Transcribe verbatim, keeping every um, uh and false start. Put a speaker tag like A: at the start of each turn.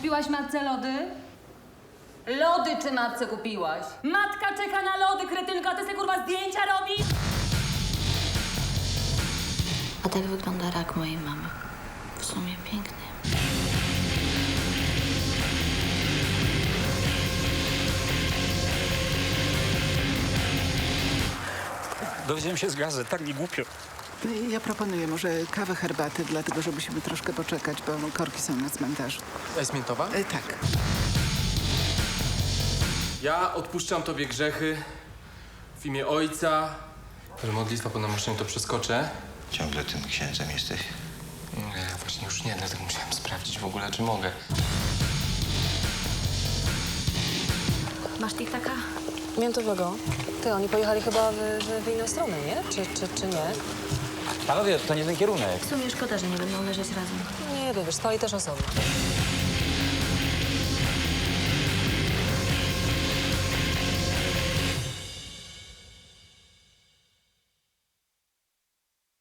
A: Kupiłaś matce lody? Lody czy matce kupiłaś? Matka czeka na lody, kretynka, ty sobie kurwa zdjęcia robisz?
B: A tak wygląda rak mojej mamy. W sumie piękny.
C: Dowiedziałem się z gazet, tak mi głupio.
D: Ja proponuję może kawę, herbaty, dlatego że musimy troszkę poczekać, bo korki są na cmentarzu.
E: A jest miętowa?
D: E, tak.
E: Ja odpuszczam tobie grzechy w imię Ojca. Że modlitwa po namoszeniu to przeskoczę.
F: Ciągle tym księdzem jesteś?
E: Nie, właśnie już nie, dlatego musiałem sprawdzić w ogóle, czy mogę.
B: Masz TikTaka?
G: Miętowego. Ty, oni pojechali chyba w, w, w inną stronę, nie? Czy, czy, czy nie?
C: Panowie, to nie ten kierunek.
B: W sumie szkoda, że nie będą leżeć razem.
G: Nie wiem, wiesz, stali też osobno.